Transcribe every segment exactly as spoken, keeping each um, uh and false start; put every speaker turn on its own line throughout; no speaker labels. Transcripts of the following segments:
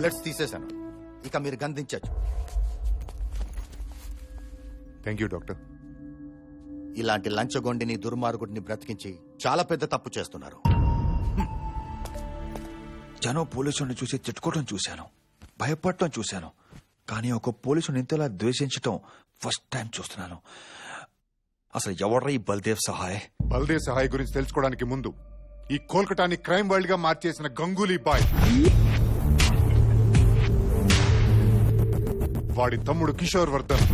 Bullets తీసేశాను, ఇక మీరు గందించచ్చు.
Thank you doctor.
ఇలాంటి లంచగొండిని దుర్మార్గుడిని బ్రతికించి చాలా పెద్ద తప్పు చేస్తున్నారు.
జనం పోలీసుని చూసి తిట్టుకోవడం చూశాను, భయపడటం చూశాను, కానీ ఒక పోలీసుని ఇంతలా ద్వేషించటం ఫస్ట్ టైం చూస్తున్నాను. అసలు ఎవడ్రా ఈ బల్దేవ్ సహాయ్?
బల్దేవ్ సహాయ్ గురించి తెలుసుకోవడానికి ముందు ఈ కోల్కతాని క్రైమ్ వరల్డ్ గా మార్చేసిన గంగూలీ బాయ్, వాడి తమ్ముడు కిషోర్ వర్ధన్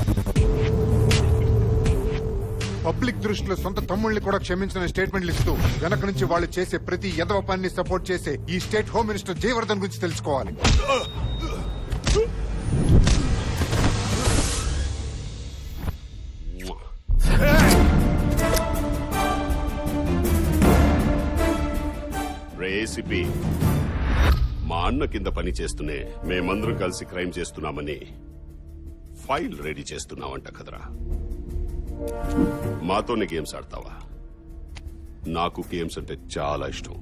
పబ్లిక్ దృష్టిలో సొంత తమ్ముళ్ళని కూడా క్షమించిన స్టేట్మెంట్లు ఇస్తూ వెనక నుంచి వాళ్ళు చేసే ప్రతి యదవ పనిని సపోర్ట్ చేసే ఈ స్టేట్ హోమ్ మినిస్టర్ జయవర్ధన్ గురించి తెలుసుకోవాలి.
ఏసీపీ మా అన్న కింద పని చేస్తూనే మేమందరం కలిసి క్రైమ్ చేస్తున్నామని ఫైల్ రెడీ చేస్తున్నావంట కదరా. మాతోనే గేమ్స్ ఆడతావా? నాకు గేమ్స్ అంటే చాలా ఇష్టం.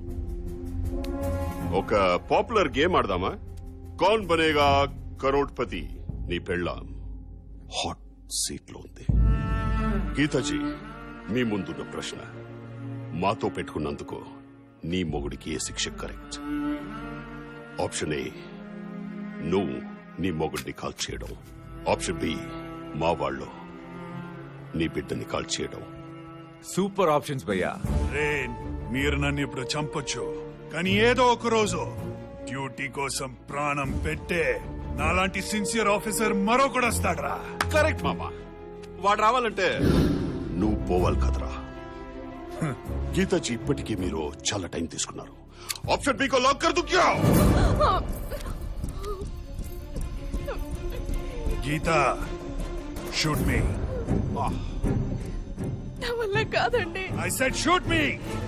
ఒక పాపులర్ గేమ్ ఆడదామా? కౌన్ బనేగా కరోడ్పతి. నీ పెళ్ళాం హాట్ సీట్ లో ఉంది. గీతాజీ, మీ ముందున్న ప్రశ్న, మాతో పెట్టుకున్నందుకు నీ మొగుడికి ఏ శిక్ష కరెక్ట్? ఆప్షన్ ఏ, నువ్వు నీ మొగుడిని కాల్ చేయడం. ఆప్షన్ బి, మా వాళ్ళు నీ బిడ్డని కాల్ చేయడం.
సూపర్ ఆప్షన్స్ భయ్యా.
రే, మీరు నన్ను ఇప్పుడు చంపొచ్చు, కానీ ఏదో ఒక రోజు డ్యూటీ కోసం ప్రాణం పెట్టే నాలాంటి సిన్సియర్ ఆఫీసర్ మరొకడు వస్తాడ్రా.
కరెక్ట్ మామా, వాడు రావాలంటే నువ్వు పోవాలి కదరా. గీతాజీ, ఇప్పటికీ మీరు చాలా టైం తీసుకున్నారు. ఆప్షన్ బి కో లాక్ కర్ దు క్యా?
Geeta, shoot me.
నా వల్ల కాదండి.
I said shoot me.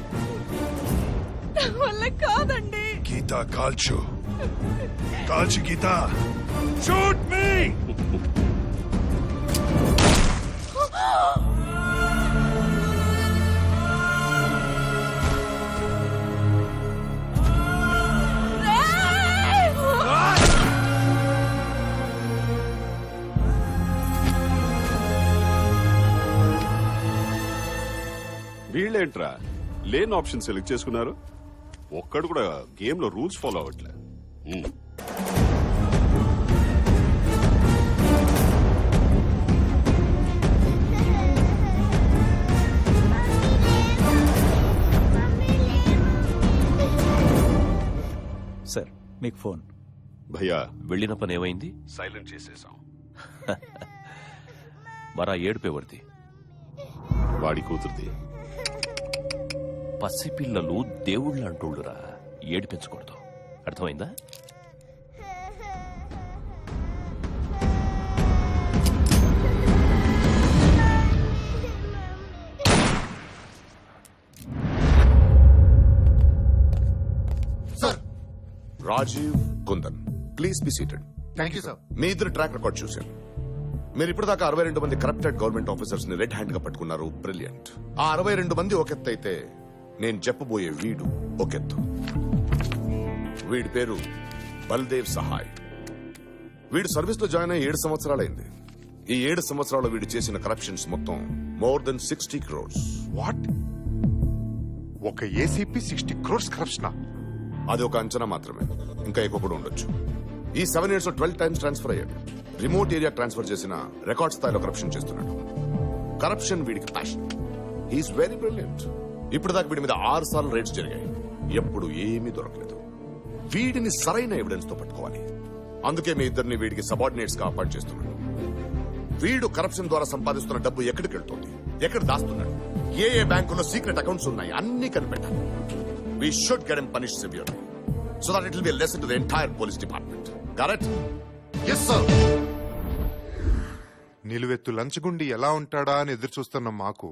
నా వల్ల కాదండి.
గీతా, కాల్చు కాల్చు గీతా, షూట్ మీ.
వీళ్ళేంట్రా లేని ఆప్షన్ సెలెక్ట్ చేసుకున్నారు? ఒక్కడు కూడా గేమ్ లో రూల్స్ ఫాలో అవ్వట్లే.
సార్, మీకు ఫోన్.
భయ్యా,
వెళ్ళిన పని ఏమైంది?
సైలెంట్ చేసేసాం.
మరా ఏడుపేవర్ది?
వాడి కూతురుది.
పసిపిల్లలు దేవుళ్ళు అంటోళ్ళురా, ఏడిపించకూడదు, అర్థమైందా?
Sir,
Rajiv Kundan, please be seated.
Thank you sir.
మీ ఇద్దరు ట్రాక్ రికార్డ్ చూశాను. మీరు ఇప్పటిదాకా అరవై రెండు మంది కరప్టెడ్ గవర్నమెంట్ ఆఫీసర్స్ ని రెడ్ హ్యాండ్ గా పట్టుకున్నారు. బ్రిలియంట్. ఆ అరవై రెండు మంది ఒకెత్తు అయితే నేను చెప్పబోయే వీడు ఒకెత్తు. వీడి పేరు బల్దేవ్ సహాయ్. వీడు సర్వీస్ లో జాయిన్ అయ్యి ఏడు సంవత్సరాలైంది. ఈ ఏడు సంవత్సరాలు వీడు చేసిన కరప్షన్స్ మొత్తం more than sixty crores.
What? ఒక ఏసీపీ సిక్స్టీ క్రోర్స్ కరప్షన్?
అది ఒక అంచనా మాత్రమే, ఇంకా ఎక్కువ కూడా ఉండొచ్చు. ఈ సెవెన్ ఇయర్స్ లో ట్వెల్వ్ టైమ్స్ ట్రాన్స్ఫర్ అయ్యాడు. రిమోట్ ఏరియా ట్రాన్స్ఫర్ చేసిన రికార్డ్ స్థాయిలో కరప్షన్ చేస్తున్నాడు. కరప్షన్ వీడికి ప్యాషన్. He is very brilliant. ఇప్పుడు దాకా వీడి మీద ఆరు సార్లు రైడ్స్ జరిగాయి, ఎప్పుడు ఏమీ దొరకలేదు. వీడిని సరైన ఎవిడెన్స్ తో పట్టుకోవాలి. అందుకే మీ ఇద్దరిని వీడికి సబార్డినేట్స్ గా అపాయింట్ చేస్తున్నాడు. వీడు కరప్షన్ ద్వారా సంపాదిస్తున్న డబ్బు ఎక్కడికి వెళ్తుంది, ఎక్కడ దాస్తున్నాడు, ఏ ఏ బ్యాంకులో సీక్రెట్ అకౌంట్స్ ఉన్నాయి, అన్ని కనిపెట్టాలి. We should get him punished severely so that it will be a lesson to the entire police department. Correct?
Yes sir.
నిలువెత్తు లంచగుండి ఎలా ఉంటాడా అని ఎదురు చూస్తున్న మాకు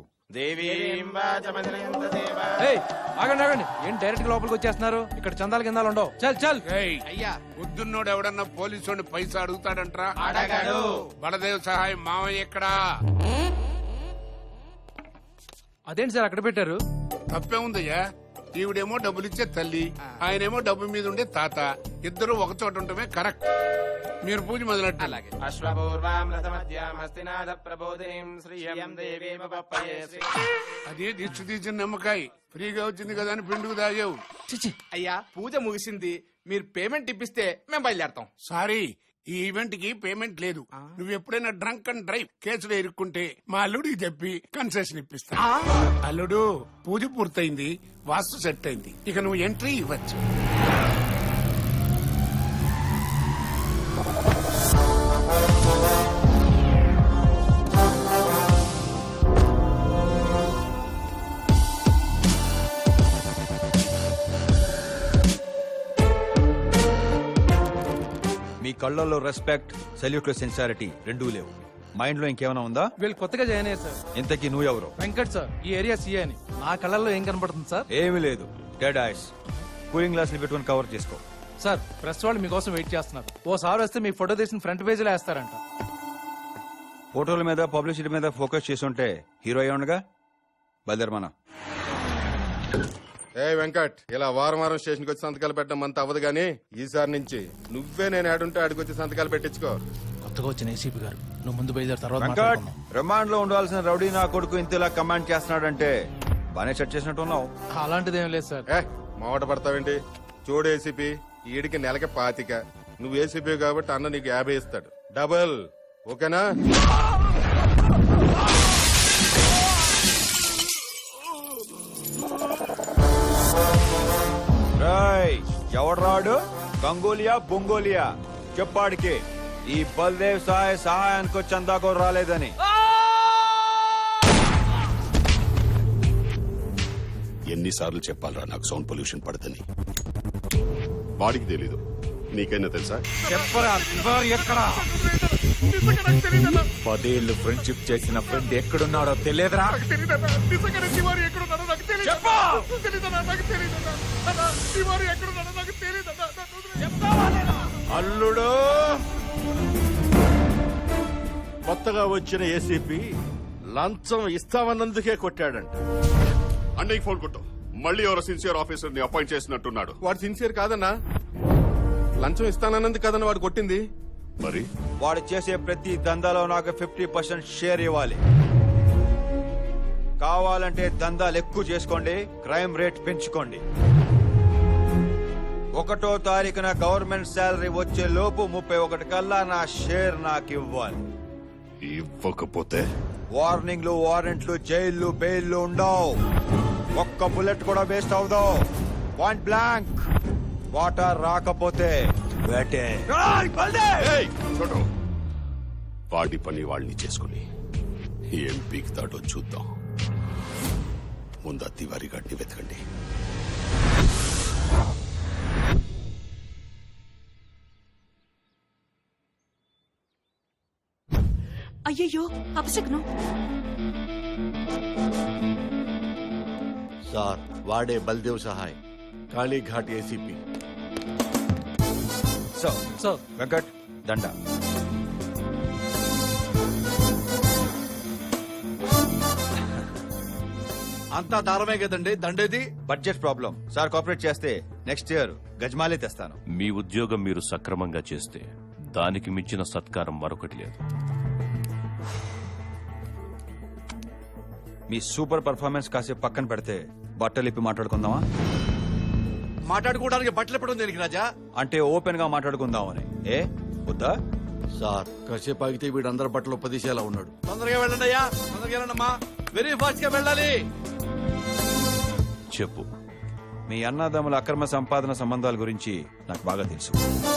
ఆగండి ఆగండి, ఏం డైరెక్ట్ గా లోపలికి వచ్చేస్తున్నారు? ఇక్కడ చందాల కిందాలు ఉండవు. చల్ చల్.
అయ్యా, పొద్దున్నోడు ఎవడన్నా పోలీసు పైసా అడుగుతాడంట్రా? అడగాడు. బలదేవ్ సహాయం మావయ్య ఎక్కడా?
అదేంటి సార్ అక్కడ పెట్టారు?
తప్పే ఉందయ్యా. ఈవిడేమో డబ్బులిచ్చే తల్లి, ఆయనేమో డబ్బు మీద ఉండే తాత. ఇద్దరు ఒక చోట ఉండటమే కరెక్ట్. మీరు పూజ మొదలెట్టాలి. అలాగే. అదే దిష్టి తీసిన నిమ్మకాయ ఫ్రీగా వచ్చింది కదా అని పిండుకు తాగావు.
అయ్యా పూజ ముగిసింది, మీరు పేమెంట్ ఇప్పిస్తే మేము బయలుదేరతాం.
సారీ, ఈ ఈవెంట్ కి పేమెంట్ లేదు. నువ్వు ఎప్పుడైనా డ్రంక్ అండ్ డ్రైవ్ కేసులో ఇరుక్కుంటే మా అల్లుడికి చెప్పి కన్సెషన్ ఇప్పిస్తా. అల్లుడు, పూజ పూర్తయింది, వాస్తు సెట్ అయింది, ఇక నువ్వు ఎంట్రీ ఇవ్వచ్చు.
మీ కళ్ళల్లో రెస్పెక్ట్, సెల్యూట్ లో సెన్సారిటీ రెండూ లేవు. మైండ్ లో ఇంకేమైనా ఉందా?
వీళ్ళు కొత్తగా జాయిన్ అయ్యారు సార్.
ఇంతకీ నువ్వెవరు?
వెంకట్ సార్, ఈ ఏరియా సీఏ అని. నా కళ్ళల్లో ఏం కనపడుతుంది సార్?
ఏమీ లేదు, డెడ్ ఐస్. కూలింగ్ గ్లాస్ ని పెట్టుకుని కవర్ చేసుకో.
సార్, ప్రెస్ వాళ్ళు మీకోసం వెయిట్ చేస్తున్నారు. ఓసారి వస్తే మీ ఫోటో తీసిన ఫ్రంట్ పేజీలో వేస్తారంట.
ఫోటోల మీద పబ్లిసిటీ మీద ఫోకస్ చేసి ఉంటే హీరో అయ్యి ఉండగా. బయలుదేరమన్నా.
ఏ వెంకట్, ఇలా వారం వారం స్టేషన్కి వచ్చి సంతకాలు పెట్టడం అంత అవ్వదు గానీ ఈసారి నుంచి నువ్వే నేను ఆడుంటే ఆడికొచ్చి సంతకాలు పెట్టించుకో.
కొత్తగా వచ్చిన ఏసీపీ గారు, నువ్వు ముందు బయలుదేరు, తర్వాత
వెంకట్,
మాట్లాడుకుందాం.
రిమాండ్ లో ఉండాల్సిన రౌడీ నా కొడుకు ఇంతలా కమాండ్ చేస్తున్నాడంటే బానే సెట్ చేసినట్టు ఉన్నావు.
అలాంటిది ఏం లేదు సార్.
ఏ మావట పడతావేంటి? చూడు ఏసీపీ, ఈడికి నెలకి పాతిక, నువ్వు ఏసీపీ కాబట్టి అన్న నీకు యాభై ఇస్తాడు, డబుల్. ఓకేనా?
ఎవడ్రాడు? గంగోలియా బొంగోలియా చెప్పాడికి ఈ బల్దేవ్ సహాయ సహాయానికి చందాకో రాలేదని.
ఎన్నిసార్లు చెప్పాలరా నాకు సౌండ్ పొల్యూషన్ పడదని? వాడికి తెలీదు, నీకైనా తెలుసా?
చెప్పరా ఎక్కడా? పదేళ్లు ఫ్రెండ్షిప్ చేసిన ఫ్రెండ్ ఎక్కడున్నాడో తెలియదురా?
అల్లుడు, కొత్తగా వచ్చిన ఏసీపీ లంచం ఇస్తామన్నందుకే కొట్టాడంట.
అన్నయ్య ఫోన్ కొట్టు. మళ్ళీ ఎవరో సిన్సియర్ ఆఫీసర్ ని అపాయింట్ చేసినట్టున్నాడు.
వాడు సిన్సియర్ కాదన్నా, లంచం ఇస్తానన్నది కదన్న వాడు కొట్టింది.
మరి
వాడు చేసే ప్రతి దందాలో నాకు ఫిఫ్టీ పర్సెంట్ షేర్ ఇవ్వాలి. కావాలంటే దందాలు ఎక్కువ చేసుకోండి, క్రైమ్ రేట్ పెంచుకోండి. ఒకటో తారీఖున గవర్నమెంట్ శాలరీ వచ్చే లోపు ముప్పై ఒకటి కల్లా నా షేర్ నాకు ఇవ్వాలి.
ఇవ్వకపోతే
వార్నింగ్లు, వారెంట్లు, జైళ్లు, బెయిల్లు ఉండవు. ఒక్క బుల్లెట్ కూడా వేస్ట్ అవుదో. Point blank. వాటర్ రాకపోతే వేటే.
ఏయ్, చూడు, వాడి పని వాళ్ళని చేసుకుని ఏం పీకుతాడో చూద్దాం. ముందు తివారీ గాడిని వెతకండి.
అయ్యయ్యో, అపశకునం.
సార్, వాడే Baldev Sahay, Kalighat ACP.
So
sir,
Venkat, దండ.
అంతా దారమే కదండి, దండేది.
Budget problem sir. కోఆపరేట్ చేస్తే నెక్స్ట్ ఇయర్ గజమాలే తెస్తాను.
మీ ఉద్యోగం మీరు సక్రమంగా చేస్తే దానికి మించిన సత్కారం మరొకటి లేదు.
మీ సూపర్ పర్ఫార్మెన్స్ కాసేపు పక్కన పెడితే బట్టలు ఇప్పి మాట్లాడుకుందామా?
మాట్లాడుకోవడానికి బట్టలు ఎప్పుడు ఉంది రాజా?
అంటే ఓపెన్ గా మాట్లాడుకుందామని. ఏ వద్దా?
సార్, కాసేపు ఆగితే వీడు అందరి బట్టలు పదిసేలా ఉన్నాడు. తొందరగా వెళ్ళండి అయ్యా, తొందరగా వెళ్ళండమ్మా, వెరీ ఫాస్ట్ గా వెళ్ళాలి.
చెప్పు.
మీ అన్నదమ్ముల అక్రమ సంపాదన సంబంధాల గురించి నాకు బాగా తెలుసు.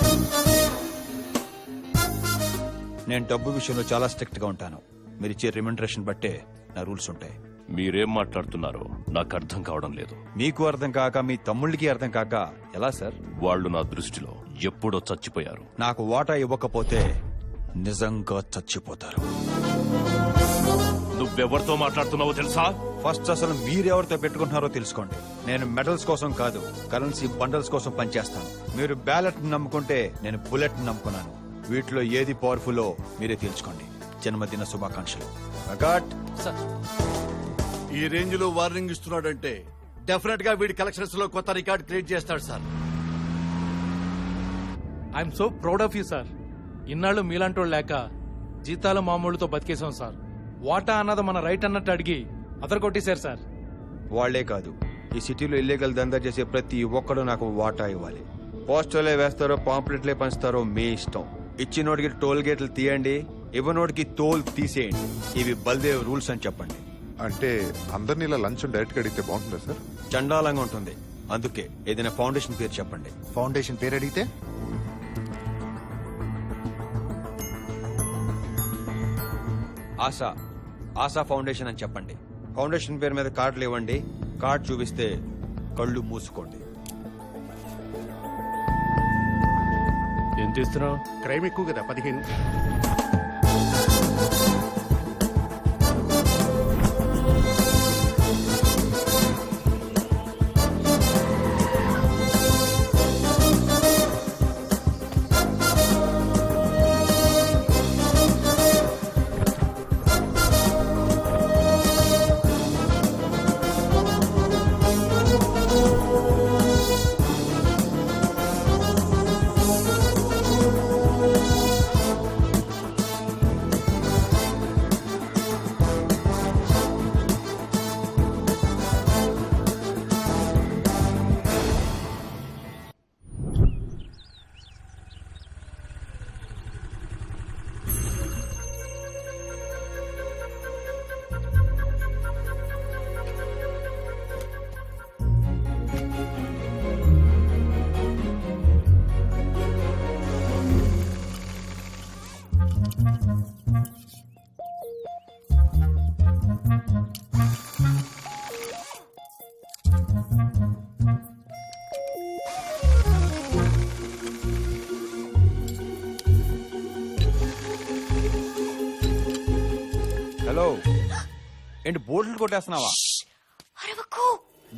నేను డబ్బు విషయంలో చాలా స్ట్రిక్ట్ గా ఉంటాను. మీరు ఇచ్చే రిమండరేషన్ బట్టే నా రూల్స్ ఉంటాయి.
మీరేం మాట్లాడుతున్నారో నాకు అర్థం కావడం లేదు.
మీకు అర్థం కాక మీ తమ్ముళ్ళకి అర్థం కాక ఎలా సార్?
వాళ్ళు నా దృష్టిలో ఎప్పుడో చచ్చిపోయారు.
నాకు వాటా ఇవ్వకపోతే నిజంగా చచ్చిపోతారు.
నువ్వెవరితో మాట్లాడుతున్నావో తెలుసా?
ఫస్ట్ అసలు మీరెవరితో పెట్టుకుంటున్నారో తెలుసుకోండి. నేను మెడల్స్ కోసం కాదు, కరెన్సీ బండల్స్ కోసం పనిచేస్తాను. మీరు బ్యాలెట్ నమ్ముకుంటే నేను బుల్లెట్ నమ్ముకున్నాను. వీటిలో ఏది పవర్ఫుల్లో మీరే తెలుసుకోండి. జన్మదిన శుభాకాంక్షలు.
ఈ రేంజ్ లో వార్నింగ్ ఇస్తున్నాడంటే డెఫినెట్ గా వీడి కలెక్షన్స్ లో కొత్త రికార్డ్ క్రియేట్ చేస్తాడు sir.
I'm so proud of you sir. ఇన్నాళ్ళు మీలాంటోళ్ళు లేక జీతాలు మామూలుతో బతికేశాం సార్. వాటా అన్నది మన రైట్ అన్నట్టు అడిగి అదర కొట్టేశారు సార్.
వాళ్లే కాదు, ఈ సిటీలో ఇల్లీగల్ దందా చేసే ప్రతి ఒక్కడు నాకు వాటా ఇవ్వాలి. పోస్టర్లే వేస్తారో పాంప్లెట్లే పంచుతారో మీ ఇష్టం. ఇచ్చినోడికి టోల్ గేట్లు తీయండి, ఇవ్వనోడికి తోల్ తీసేయండి. ఇవి బల్దేవ్ రూల్స్ అని చెప్పండి.
అంటే అందరినీ ఇలా లంచం డైరెక్ట్ గా అడిగితే బాగుంటుందా సార్?
చండాలంగా ఉంటుంది. అందుకే ఏదైనా ఫౌండేషన్ పేరు చెప్పండి.
ఫౌండేషన్ పేరు అడిగితే
ఆశా ఆశా ఫౌండేషన్ అని చెప్పండి. ఫౌండేషన్ పేరు మీద కార్డులు ఇవ్వండి. కార్డు చూపిస్తే కళ్ళు మూసుకోండి.
ఎంత ఇస్తున్నావు?
క్రైమ్ ఎక్కువ కదా, పదిహేను.
హలో, ఏంటి బోర్డులు కొట్టేస్తున్నావా?
అరవకు.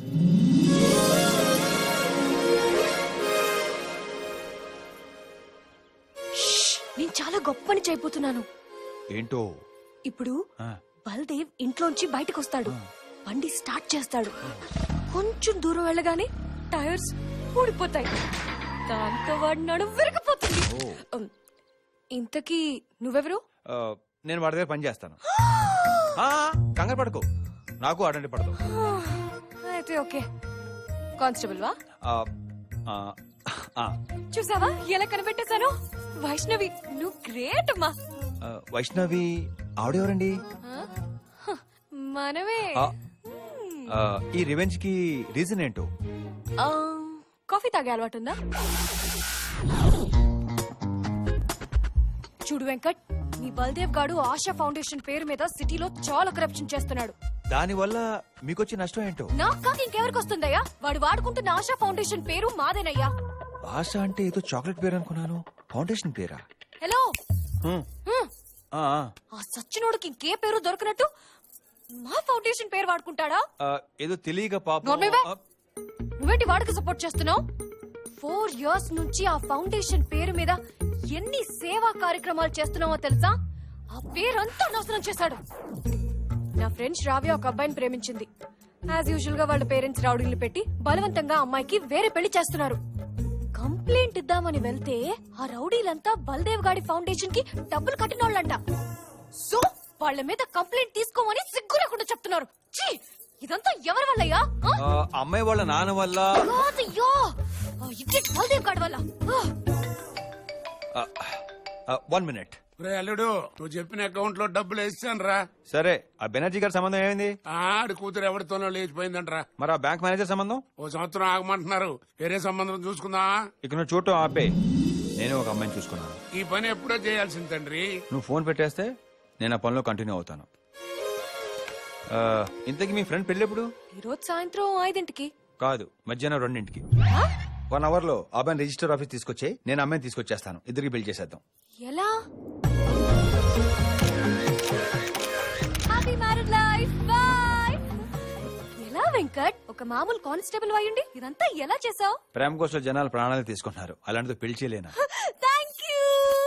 షష్! నేను చాలా గొప్ప పని చేయబోతున్నాను.
ఏంటో?
ఇప్పుడు
ఆ,
బల్దేవ్ ఇంట్లోంచి బయటకు వస్తాడు, బండి స్టార్ట్ చేస్తాడు. కొంచెం దూరం వెళ్ళగానే టైర్స్ ఊడిపోతాయి. దాంతో వాడి నడుము విరిగిపోతుంది. ఉమ్, ఇంతకీ నువ్వెవరు?
ఆ, నేను వాడి దగ్గర పని చేస్తాను. ఆ, కంగారు పడుకో, నాకు అడండి పడదు.
అయితే ఓకే. కానిస్టేబుల్ వా?
ఆ, ఆ, ఆ,
చూసావా ఎలా కనిపెట్టేశాను? వైష్ణవి, నువ్వు గ్రేట్ అమ్మా.
ఆ, వైష్ణవి ఆవిడెవరండి?
ఆ? హ, మనమే.
ఆ, ఆ, ఈ రివెంజ్ కి రీజన్ ఏంటో?
ఆ, కాఫీ తాగే అలవాటుందా? చూడు వెంకట్, నీ బల్దేవ్ గాడు ఆశా ఫౌండేషన్ పేరు మీద సిటీలో చాలా కరప్షన్ చేస్తున్నాడు.
దాని వల్ల మీకొచ్చే నష్టం ఏంటో?
నాకు కాక ఇంకెవరికి వస్తుందయ్యా? వాడు వాడుకుంటున్న ఆశా ఫౌండేషన్ పేరు మాదేనయ్యా.
ఆశ అంటే ఏదో చాక్లెట్ పేరు అనుకున్నాను. ఫౌండేషన్ పేరా?
హలో,
హ్మ్.
హ్మ్.
ఆ, ఆ,
ఆ సచ్చినోడికి ఇంకే పేరు దొరకనట్టు మా ఫౌండేషన్ పేరు వాడుకుంటాడా?
ఆ, ఏదో తెలియక పాపం.
నోర్మేవే.
ఆ,
నువ్వేంటి వాడికి సపోర్ట్ చేస్తున్నావు? ఫోర్ ఇయర్స్ నుంచి ఆ ఫౌండేషన్ పేరు మీద ఎన్ని సేవా కార్యక్రమాలు చేస్తున్నావో తెలుసా? ఆ పేరంతా నాశనం చేశాడు. నా ఫ్రెండ్ శ్రావ్య ఒక అబ్బాయిని ప్రేమించింది. యాజ్ యూజువల్ గా వాళ్ళ పేరెంట్స్ రౌడీలు పెట్టి బలవంతంగా అమ్మాయికి వేరే పెళ్లి చేస్తున్నారు. కంప్లైంట్ ఇద్దామని వెళ్తే ఆ రౌడీలంతా బల్దేవ్ గాడి ఫౌండేషన్ కి డబ్బులు కట్టినోళ్ళంట. సో వాళ్ళ మీద కంప్లైంట్ తీసుకోమని సిగ్గు లేకుండా చెప్తున్నారు. ఛీ! ఇదంతా ఎవరి వల్లయ్యా? ఆ?
ఆ, అమ్మాయి వాళ్ళ నాన్న వల్ల.
కాదయ్యో, ఆ ఇడియట్ బల్దేవ్ గాడి వల్ల. ఆ.
One minute.
రే అల్లుడు, నువ్వు చెప్పిన అకౌంట్ లో డబ్బులు వేసాను రా.
సరే, ఆ బెనర్జీ గారి సంబంధం ఏమైంది?
ఆడి కూతురు ఎవరితోనో లేచిపోయిందంట్రా.
మరి ఆ బ్యాంక్ మేనేజర్ సంబంధం?
ఓ సంవత్సరం ఆగమంటున్నారు. వేరే సంబంధం చూసుకుందా?
ఇక నువ్వు చూడటం ఆపే. నేను ఒక అమ్మాయిని చూసుకున్నాను.
ఈ పని ఎప్పుడో చేయాల్సింది తండ్రి.
నువ్వు ఫోన్ పెట్టేస్తే నేను ఆ పనిలో కంటిన్యూ అవుతాను. ఆ, ఇంతకీ మీ ఫ్రెండ్ పెళ్ళి ఎప్పుడు?
ఈ రోజు సాయంత్రం ఐదింటికి.
కాదు, మధ్యాహ్నం రెండింటికి.
ఆ?
వన్ అవర్ లో అబ్బాయిని రిజిస్టర్ ఆఫీస్ తీసుకొచ్చి నేను అమ్మాయిని తీసుకొచ్చేస్తాను. ఇద్దరికి బిల్ చేసేద్దాం.
ఎలా? Happy married life. బై. ఎలా వెంకట్, ఒక మామూలు కానిస్టేబుల్ అయ్యుండి ఇదంతా ఎలా చేసావు?
ప్రేమ కోసం జనాలు ప్రాణాలు తీసుకుంటున్నారు, అలాంటిది పెళ్లి చేయలేనా?
Thank you.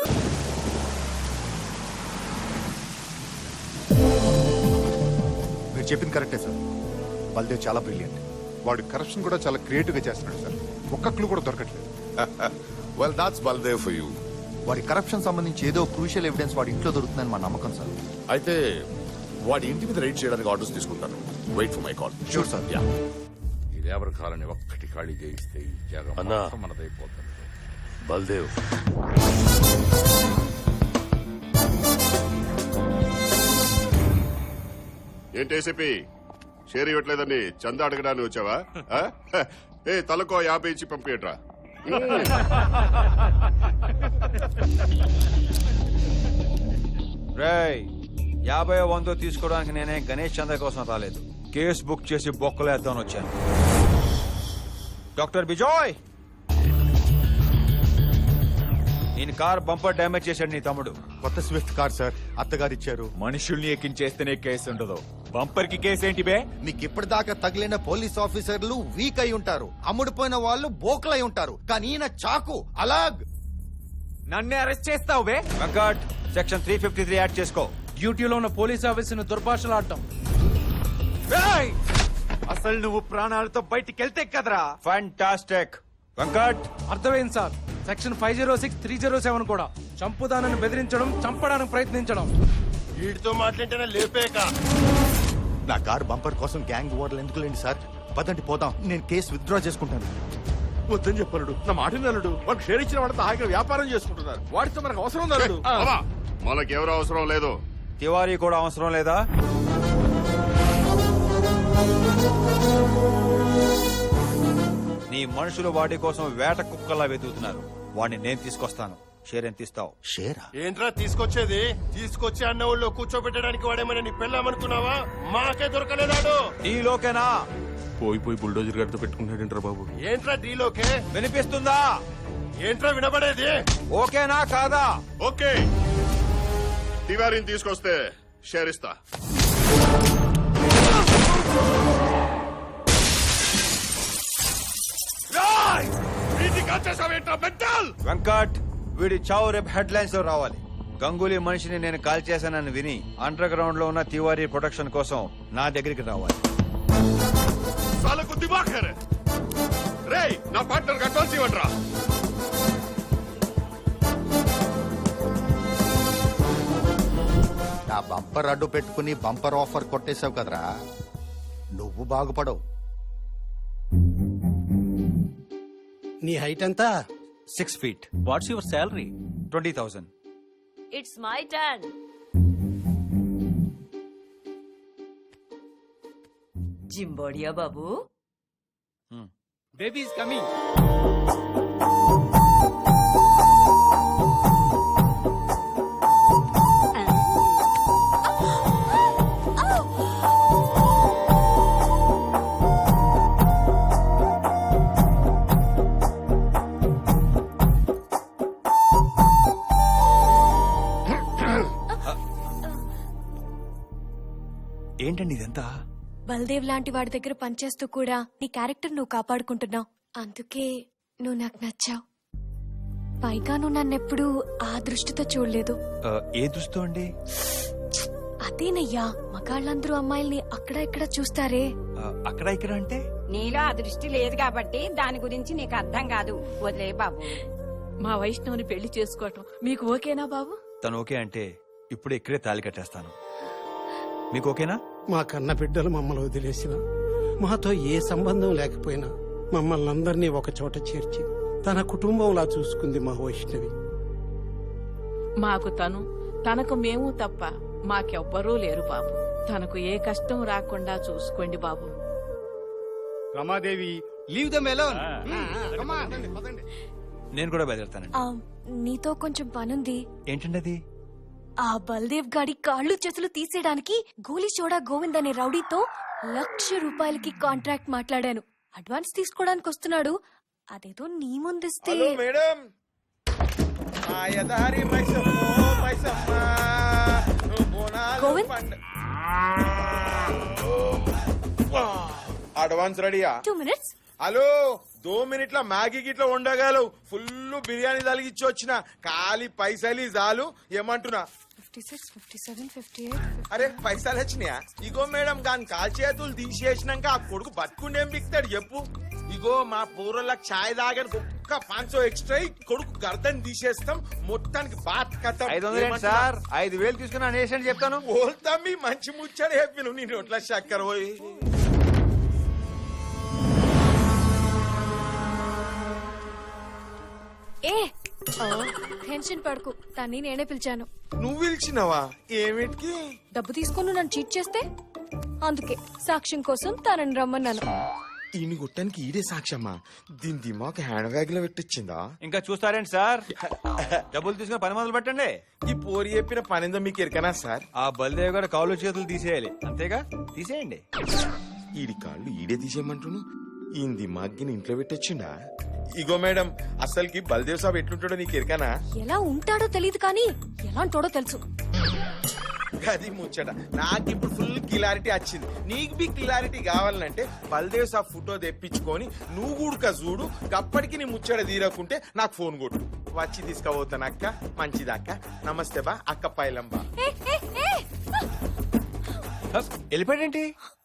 మీరు చెప్పింది కరెక్టే సార్. బల్దేవ్ చాలా బ్రిలియంట్. వాడు కరప్షన్ కూడా చాలా క్రియేటివ్ గా చేస్తున్నాడు సార్. ఒక్క క్లూ కూడా దొరకట్లేదు.
Well that's Baldev for you.
వాడి కరప్షన్ సంబంధించి ఏదో క్రూషియల్ ఎవిడెన్స్ వాడి ఇంట్లో దొరుకుతుందని మా నమ్మకం సార్.
అయితే వాడి ఇంటి మీద రైడ్ చేయడానికి ఆర్డర్స్ తీసుకుంటాను. Wait for my call.
Sure sir.
Ya.
ఈ లేబర్ కాలని ఒక్కటి ఖాళీ చేయిస్తే ఈ జాగం
అన్నా.
మొత్తం మనదైపోతుంది.
బల్దేవ్
ఏంటి ఏసీపీ షేర్ ఇవ్వట్లేదని చందా అడగడానికి వచ్చావా? ఆ? ఏ తలకో యాభై ఇచ్చి పంపియట్రా.
రేయ్ యాభై వందో తీసుకోవడానికి నేనే గణేష్ చంద్ర కోసం రాలేదు. కేసు బుక్ చేసి బొక్కలేద్దామని వచ్చాను. డాక్టర్ బిజోయ్, నేను కార్ బంపర్ డ్యామేజ్ చేశాడు నీ తమ్ముడు.
కొత్త స్విఫ్ట్ కార్ సార్ అత్తగారు ఇచ్చారు.
మనుషుల్ని ఎక్కించేస్తేనే కేసు ఉండదు, బంపర్ కి కేసు ఏంటి బే?
మీకు ఇప్పటిదాకా తగిలిన పోలీస్ ఆఫీసర్లు వీక్ అయి ఉంటారు, అమ్ముడుపోయిన వాళ్ళు బోకలై ఉంటారు, కానీ ఈయన చాకు అలాగ్.
నన్నే అరెస్ట్ చేస్తావు బే? Venkat, section three fifty three add చేసుకో.
డ్యూటీలో ఉన్న పోలీస్ ఆఫీసర్ని దుర్భాషలాడటం.
అసలు నువ్వు ప్రాణాలతో బయటికి వెళ్తే కదరా. ఫ్యాంటాస్టిక్. వెంకట్,
అర్థమైంది sir. Section five zero six three zero seven కూడా చంపుదానని బెదిరించడం, చంపడానికి ప్రయత్నించడం.
వీడితో మాట్లాడితేనే లేపేక.
నా కార్ బంపర్ కోసం గ్యాంగ్ ఓడలు ఎందుకు లేండి సార్. పదండి పోదాం, నేను కేసు విత్డ్రా చేసుకుంటాను.
వద్దని చెప్పలుడు, నా మాట నలుడు. వాళ్ళకి షేర్ ఇచ్చిన వాళ్ళతో హాయిగా వ్యాపారం చేసుకుంటున్నారు. వాడితో మనకు అవసరం నలుడు.
బావా, మనకెవరూ అవసరం లేదు.
తివారీ కూడా అవసరం లేదా? నీ మనుషులు వాడి కోసం వేట కుక్కలా వెతుకుతున్నారు. వాడిని నేను తీసుకొస్తాను. షేర్ ఎంత ఇస్తావు?
షేరా?
ఏంట్రా తీసుకొచ్చేది? తీసుకొచ్చి అన్న ఊళ్ళో కూర్చోబెట్టడానికి వాడేమైనా నీ పెళ్ళామనుకున్నావా? మాకే దొరకలేదాడు.
నీలోకేనా?
పోయి పోయి బుల్డోజర్ గారితో పెట్టుకుంటాడంటారా బాబు? ఏంట్రా డీలోకే?
వినిపిస్తుందా?
ఏంట్రా వినబడేది?
ఓకేనా కాదా?
ఓకే, తివారీని తీసుకొస్తే షేర్ ఇస్తా.
వెంకట్, వీడి చావు రేపు హెడ్ లైన్స్ లో రావాలి. గంగూలీ మనిషిని నేను కాల్ చేశానని విని అండర్ గ్రౌండ్ లో ఉన్న తివారీ ప్రొటెక్షన్ కోసం నా దగ్గరికి రావాలి.
సాలకు దిమాగ్ హై రే. రేయ్, నా పార్ట్నర్ అడ్వాన్స్ ఇవ్వండిరా.
నా బంపర్ అడ్డు పెట్టుకుని బంపర్ ఆఫర్ కొట్టేశావు కదరా, నువ్వు బాగుపడవు.
నీ హైట్ ఎంత?
Six feet.
What's your salary?
Twenty thousand.
It's my turn. జింబోడియా బాబు.
Baby is coming.
ఏంటండి ఇదంతా?
బల్దేవ్ లాంటి వాడి దగ్గర పనిచేస్తూ కూడా నీ క్యారెక్టర్ నువ్వు కాపాడుకుంటున్నావు. అందుకే నువ్వు నాకు నచ్చావు. పైగా నువ్వు నన్నెప్పుడు ఆ దృష్టితో చూడలేదు.
ఆ, ఏ దృష్టి అండి?
అదేనయ్యా, మగాళ్ళందరూ అమ్మాయిల్ని అక్కడ ఇక్కడ చూస్తారే.
ఆ, అక్కడ ఇక్కడ అంటే?
నీలో ఆ దృష్టి లేదు కాబట్టి దాని గురించి నీకు అర్థం కాదు. వదిలే బాబు.
మా వైష్ణవుని పెళ్లి చేసుకోవటం మీకు ఓకేనా బాబు?
తను ఓకే అంటే ఇప్పుడు ఇక్కడే తాళి కట్టేస్తాను. మీకు ఓకేనా?
మా కన్న బిడ్డలు మమ్మల్ని వదిలేసిన, మాతో ఏ సంబంధం లేకపోయినా మమ్మల్ని అందరినీ ఒక చోట చేర్చి తన కుటుంబంలా చూసుకుంది మా వైష్ణవి.
మాకు తను, తనకు మేము తప్ప మాకెవ్వరూ లేరు బాబు. తనకు ఏ కష్టం రాకుండా చూసుకోండి బాబు.
Ramadevi, leave them alone.
నేను కూడా బయలుదేరుతానండి.
ఆ, నీతో కొంచెం పనుంది.
ఏంటండి అది?
ఆ బల్దేవ్ గాడి కాళ్ళు చేతులు తీసేయడానికి గోలీ చోడా గోవింద్ అనే రౌడీతో లక్ష రూపాయలకి కాంట్రాక్ట్ మాట్లాడాను. అడ్వాన్స్ తీసుకోవడానికి వస్తున్నాడు. అదేదో నీ ముందిస్తే.
మేడం,
గోవింద్,
అడ్వాన్స్ రెడీయా?
Two minutes.
హలో, దో మినిట్ల మ్యాగీ గిట్ల ఉండగలవు. ఫుల్ బిర్యానీ తలిగిచ్చి వచ్చిన ఖాళీ పైసలు చాలు. ఏమంటున్నా?
Fifty six, fifty seven, fifty eight.
అరే పైసలు వచ్చినాయా? ఇగో మేడం, దాని కాల్ చేతులు తీసేసినాక ఆ కొడుకు బతుకుండేం బిక్తాడు చెప్పు. ఇగో మా పూర్వలకు ఛాయ్ తాగని ఒక్క ఒక్క పాంచో ఎక్స్ట్రా కొడుకు గర్దన్ తీసేస్తాం మొత్తానికి బాత్ కథ
ఐదు వందలు ఏంటి సార్ ఐదు వేలు తీసుకుని అనేసి చెప్తాను
పోల్తా మీ మంచి ముచ్చడి చెప్పిన నీ నోట్ల చక్కర పోయి
ఏ టెన్షన్ పడకు తన్ని నేనే పిలిచాను
నువ్వు పిలిచినవా ఏమిటికి
డబ్బు తీసుకొని నన్ను చీట్ చేస్తే అందుకే సాక్ష్యం కోసం తనని రమ్మన్నాను
ఈయన గుట్టానికి ఈడే సాక్ష్యమ్మా దీని దిమాక్ హ్యాండ్ బ్యాగ్ లో పెట్టించిందా
ఇంకా చూస్తారేంటి సార్ డబ్బులు తీసుకుని పని మొదలు పెట్టండి
ఈ పోరి చెప్పిన పనిందో మీకు ఎరకనా సార్
ఆ బల్దేవ్ గారు కాళ్ళు చేతులు తీసేయాలి అంతేగా తీసేయండి
ఈడి కాళ్ళు ఈడే తీసేయమంటును ఈ దిమాగ్ని ఇంట్లో పెట్టొచ్చిండా ఇగో మేడం అసలుకి బల్దేవ్ సాబ్ ఎట్లుంటాడో నీకు ఎరకనా
ఎలా ఉంటాడో తెలియదు కానీ ఎలాంటోడో తెలుసు
అది ముచ్చట నాకు ఇప్పుడు ఫుల్ క్లారిటీ వచ్చింది నీకు బి క్లారిటీ కావాలంటే బల్దేవ్ సాబ్ ఫోటో తెప్పించుకొని నువ్వు కూడక చూడు అప్పటికి నీ ముచ్చట తీరకుంటే నాకు ఫోన్ కొట్టు వచ్చి తీసుకుపోతాను అక్క మంచిదక్క నమస్తే బా అక్క పైలంబా
ఏ, ఏ, ఏ!
వెళ్ళిపోయాడేంటి